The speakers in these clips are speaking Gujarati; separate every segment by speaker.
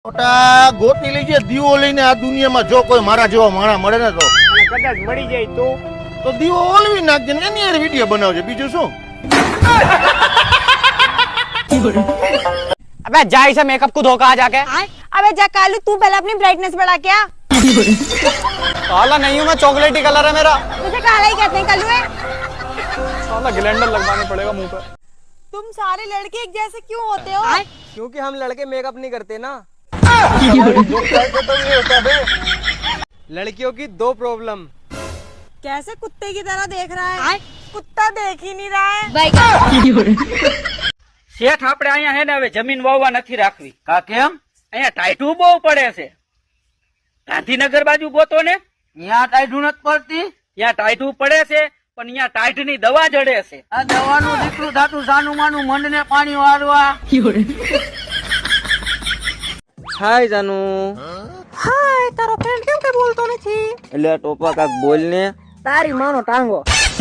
Speaker 1: મોટા ગોતી લઈ જાય દીવો લઈને આ દુનિયામાં જો કોઈ મારા જેવો માણા મળે ને તો
Speaker 2: કદાચ મળી જાય
Speaker 1: તો દીવો ઓલવી નાખજે ને એની યાર વિડીયો બનાવજે બીજું શું
Speaker 2: अबे जा इसे मेकअप को धोखा आ जाके।
Speaker 3: अबे जा कालू तू पहले अपनी ब्राइटनेस बढ़ा क्या।
Speaker 2: काला नहीं हूँ मैं, चॉकलेटी कलर है मेरा।
Speaker 3: मुझे काला ही कहते हैं कालू है।
Speaker 2: साला ग्लैंडर लगवाना पड़ेगा मुंह पे।
Speaker 3: तुम सारे लड़के एक जैसे क्यों होते हो।
Speaker 4: क्योंकि हम लड़के मेकअप नहीं करते ना। लड़कियों की दो प्रॉब्लम।
Speaker 3: कैसे कुत्ते की तरह देख रहा है। कुत्ता देख ही नहीं रहा है।
Speaker 5: શેઠ આપણે અહીંયા હે ને હવે જમીન વાવવા નથી રાખવી. કા કેમ? અહીંયા ટાઈટું બહુ પડે છે. ગાંધીનગર બાજુ ગોતો ને, ત્યાં ટાઈટું નથી પડતી. ત્યાં ટાઈટું પડે છે પણ અહીંયા ટાઈટ ની દવા જડે છે. આ દવાનું દીકરું થાતું સાનું માનું મંડ ને પાણી વાળવા.
Speaker 4: हाय जानू।
Speaker 3: हाय तारो फ्रेंड क्यों के बोलतो નથી।
Speaker 4: એટલે ટોપા કાક બોલ ને।
Speaker 3: તારી માનો ટાંગો।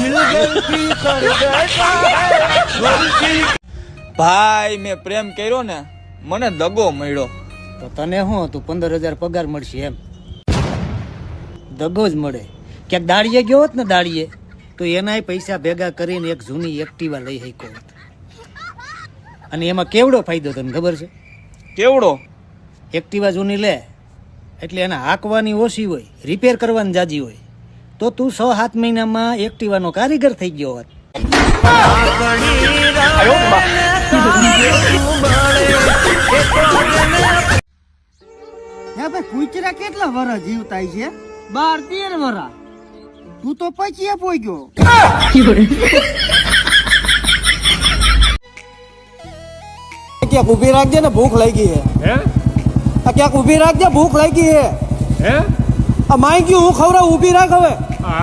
Speaker 6: ભાઈ મેં પ્રેમ કર્યો ને મને દગો મળ્યો.
Speaker 7: તો તને શું હતું 15,000 પગાર મળશે એમ દગો જ મળે. ક્યાંક દાડીએ ગયો હોત ને દાડીએ તો એનાય પૈસા ભેગા કરીને એક જૂની એક્ટિવા લઈ શક્યો હોત. અને એમાં કેવડો ફાયદો તને ખબર છે?
Speaker 6: કેવડો?
Speaker 7: એક્ટિવા જૂની લે એટલે એને હાંકવાની ઓછી હોય, રિપેર કરવાની જાજી હોય, તો તું 6-7 મહિનામાં એક્ટિવાનો કારીગર થઈ ગયો હોત.
Speaker 8: કુચરા કેટલા વરસ જીવતા છે? 12-13 વરસ. તું તો પછી પોઈ ગયો.
Speaker 4: ક્યાંક ઉભી રાખજે ને, ભૂખ લાગી હે। ક્યાંક ઉભી રાખજે, ભૂખ લાગી હે। માઈ ગયું હું ખવડાવ, ઉભી રાખ હવે।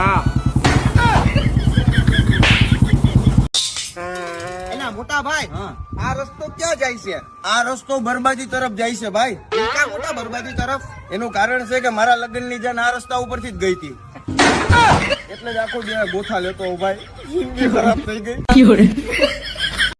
Speaker 1: એના મોટા ભાઈ આ રસ્તો ક્યાં જાય છે? આ રસ્તો બરબાદી તરફ જાય છે ભાઈ. ક્યાં મોટા બરબાદી તરફ? એનું કારણ છે કે મારા લગ્નની જાન આ રસ્તા ઉપરથી જ ગઈ હતી, એટલે જ આખો દિવસ ગોથા લેતો ભાઈ, જિંદગી ખરાબ થઈ ગઈ।